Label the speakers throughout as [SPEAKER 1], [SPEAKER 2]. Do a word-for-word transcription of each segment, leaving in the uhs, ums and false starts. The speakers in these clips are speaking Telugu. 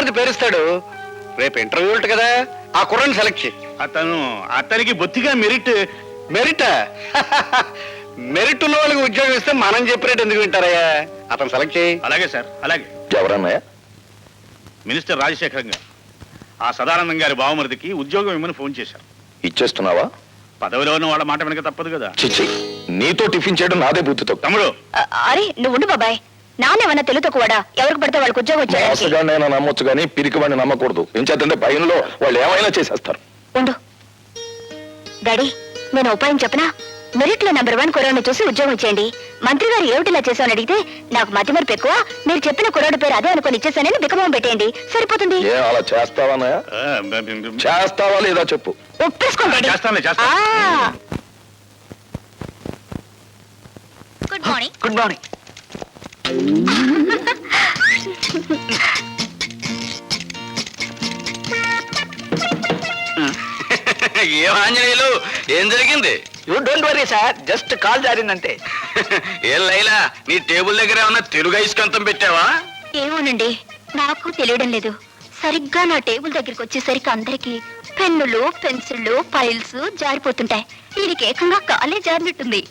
[SPEAKER 1] బావమరిది పేరుస్తాడు. రేపు ఇంటర్వ్యూ ఉంటుంది కదా, ఆ కుర్రని సెలెక్ట్ చేయి.
[SPEAKER 2] అతను అతనికి బొత్తిగా మెరిట్.
[SPEAKER 1] మెరిట్ మెరిట్ ఉన్న వాళ్ళకి ఉద్యోగం ఇస్తే మనం చెప్పినట్టు ఎందుకు వింటారయ్యా? అతను సెలెక్ట్ చేయి.
[SPEAKER 2] అలాగే సార్, అలాగే.
[SPEAKER 3] ఎవరన్నాయా?
[SPEAKER 2] మినిస్టర్ రాజశేఖరం గారు ఆ సదానందం గారి బావమరిదికి ఉద్యోగం ఇమ్మని ఫోన్ చేశారు.
[SPEAKER 3] ఇచ్చేస్తున్నావా?
[SPEAKER 2] పదవిలో ఉన్న వాళ్ళ మాట వెనక తప్పదు కదా.
[SPEAKER 3] చిచ్చి, నీతో టిఫిన్ చేయడం నాదే బుద్ధితో.
[SPEAKER 2] తమ్ముడు,
[SPEAKER 4] అరే నువ్వు ఉండు బాబాయ్. నానేమన్నా తెలుతో కూడా ఎవరికి పడితే వాళ్ళకి ఉద్యోగం వచ్చాడు.
[SPEAKER 3] మోసగాడినైనా నమ్మొచ్చు కానీ పిరికి వాడిని నమ్మకూడదు. ఏం చేద్దంటే భయంలో వాళ్ళు ఏమైనా చేసేస్తారు.
[SPEAKER 4] ఉండు డాడీ, నేను ఉపాయం చెప్పనా? మెరిట్ లో నెంబర్ వన్ కుర్రాడిని చూసి ఉద్యోగం ఇచ్చేయండి. మంత్రి గారు ఏమిటిలా చేశామని అడిగితే నాకు మతి మరపు ఎక్కువ, మీరు చెప్పిన కుర్రాడు పేరు అదే అనుకుని ఇచ్చేసానని బికమం పెట్టేయండి, సరిపోతుంది.
[SPEAKER 3] ఏ అలా చేస్తావా? చేస్తావా లేదా చెప్పు.
[SPEAKER 4] ఒప్పేసుకోండి.
[SPEAKER 2] చేస్తానులే, చేస్తాను.
[SPEAKER 4] Good morning.
[SPEAKER 1] Good morning.
[SPEAKER 5] ఏం ఆంజనేయులు, ఏం జరిగింది?
[SPEAKER 1] You don't worry sir, just call జారిందంతే.
[SPEAKER 5] ఏం లైలా, నీ టేబుల్ దగ్గర ఏమన్నా తెలుగు ఐస్కంతం పెట్టావా?
[SPEAKER 4] ఏమోనండి, నాకు తెలియడం లేదు. సరిగ్గా నా టేబుల్ దగ్గరికి వచ్చేసరికి అందరికి పెన్నులు, పెన్సిళ్ళు, ఫైల్స్ జారిపోతుంటాయి. వీడికి ఏకంగా కాలే జారినట్టుంది.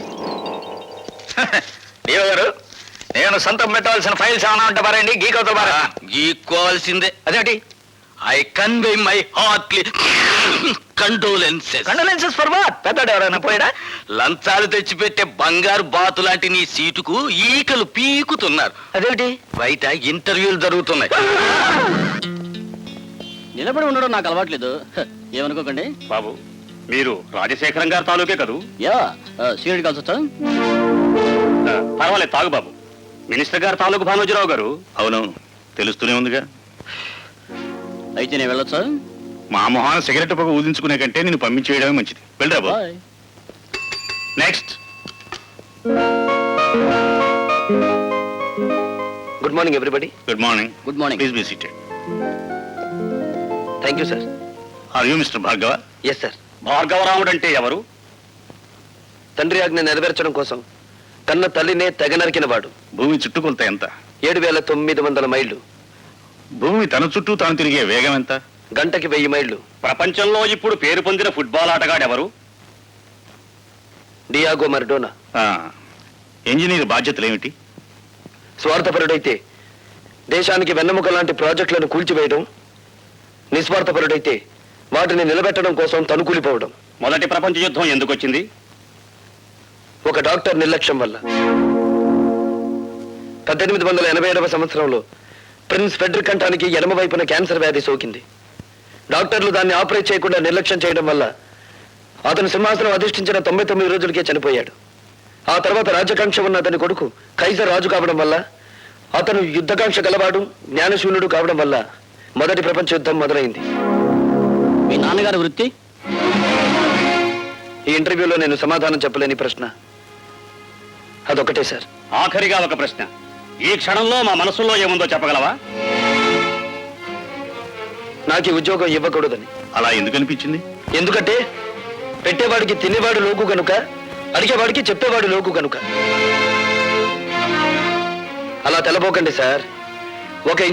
[SPEAKER 5] దేవ గారు, నేను సొంతం పెట్టవలసిన ఫైల్స్ ఏమైనా ఉంటే పారండి, గీకవుతా పారా. గీక్కోవాల్సిందే.
[SPEAKER 1] అదేంటి?
[SPEAKER 5] I convey my heartly condolences.
[SPEAKER 1] Condolences for what? పెద్దడు ఎవరైనా పోయాడా?
[SPEAKER 5] లంచాలు తెచ్చిపెట్టే బంగారు బాతు లాంటి నీ సీటుకు ఈకలు పీకుతున్నారు.
[SPEAKER 1] అదేంటి?
[SPEAKER 5] బయట ఇంటర్వ్యూలు జరుగుతున్నాయి.
[SPEAKER 6] నిలబడి ఉండడం నాకు అలవాట్లేదు, ఏమనుకోకండి.
[SPEAKER 2] బాబు, మీరు రాజశేఖరం గారి తాలూకే కదూ?
[SPEAKER 6] యా, సీరియడ్ కాల్స్ వచ్చా?
[SPEAKER 2] పర్వాలేదు, తాగు బాబు. మినిస్టర్ గారు తాలూకు భానోజీరావు గారు. అవునవును, తెలుస్తూనే ఉందిగా.
[SPEAKER 6] అయితే నేను వెళ్ళొచ్చా?
[SPEAKER 2] మా మొహాన సిగరెట్ పొగ ఊదించుకునే కంటే నేను పంపించేయడమే మంచిది. వెళ్ళరా బాబు.
[SPEAKER 6] Bye.
[SPEAKER 2] Next.
[SPEAKER 1] Good morning everybody.
[SPEAKER 2] Good morning.
[SPEAKER 6] Good morning.
[SPEAKER 2] Please be seated.
[SPEAKER 1] Thank you sir.
[SPEAKER 2] Are you mister Bhargava?
[SPEAKER 1] Yes sir.
[SPEAKER 2] Bhargavaramudu అంటే ఎవరు?
[SPEAKER 1] తండ్రి ఆజ్ఞ నెరవేర్చడం కోసం తన తల్లినే తెగ నరికిన వాడు.
[SPEAKER 2] భూమి చుట్టుకొలత ఎంత?
[SPEAKER 1] ఏడు వేల తొమ్మిది వందల మైళ్ళు.
[SPEAKER 2] భూమి తన చుట్టూ తాను తిరిగే వేగం ఎంత?
[SPEAKER 1] గంటకి వెయ్యి మైళ్ళు.
[SPEAKER 2] ప్రపంచంలో ఇప్పుడు పేరు పొందిన ఫుట్బాల్ ఆటగాడు ఎవరు?
[SPEAKER 1] డియాగో మరడోనా.
[SPEAKER 2] ఇంజనీర్ బాధ్యతలు ఏమిటి?
[SPEAKER 1] స్వార్థపరుడైతే దేశానికి వెన్నెముక లాంటి ప్రాజెక్టులను కూల్చివేయడం, నిస్వార్థపరుడైతే వాటిని నిలబెట్టడం కోసం తనుకూలిపోవడం.
[SPEAKER 2] మొదటి ప్రపంచ యుద్ధం ఎందుకు వచ్చింది?
[SPEAKER 1] ఒక డాక్టర్ నిర్లక్ష్యం వల్ల. పద్దెనిమిది వందల ఎనభై ఏడవ సంవత్సరంలో ప్రిన్స్ ఫెడ్రిక్ కంఠానికి ఎడమ వైపున క్యాన్సర్ వ్యాధి సోకింది. డాక్టర్లు దాన్ని ఆపరేట్ చేయకుండా నిర్లక్ష్యం చేయడం వల్ల అతను సింహాసనం అధిష్ఠించిన తొంభై తొమ్మిది రోజులకే చనిపోయాడు. ఆ తర్వాత రాజకాంక్ష ఉన్న అతని కొడుకు కైజర్ రాజు కావడం వల్ల, అతను యుద్ధకాంక్ష గలవాడు, జ్ఞానశూన్యుడు కావడం వల్ల మొదటి ప్రపంచ యుద్ధం మొదలైంది.
[SPEAKER 6] మీ నాన్నగారి వృత్తి?
[SPEAKER 1] ఈ ఇంటర్వ్యూలో నేను సమాధానం చెప్పలేని ప్రశ్న అదొకటే సార్.
[SPEAKER 2] ఆఖరిగా ఒక ప్రశ్న. ఈ క్షణంలో మా మనసులో ఏముందో చెప్పగలవా?
[SPEAKER 1] నాకు ఈ ఉద్యోగం ఇవ్వకూడదని.
[SPEAKER 2] అలా ఎందుకు అనిపించింది?
[SPEAKER 1] ఎందుకంటే పెట్టేవాడికి తినేవాడు లోకు గనుక, అడిగేవాడికి చెప్పేవాడు లోకు గనుక. అలా తెలబోకండి సార్. ఒక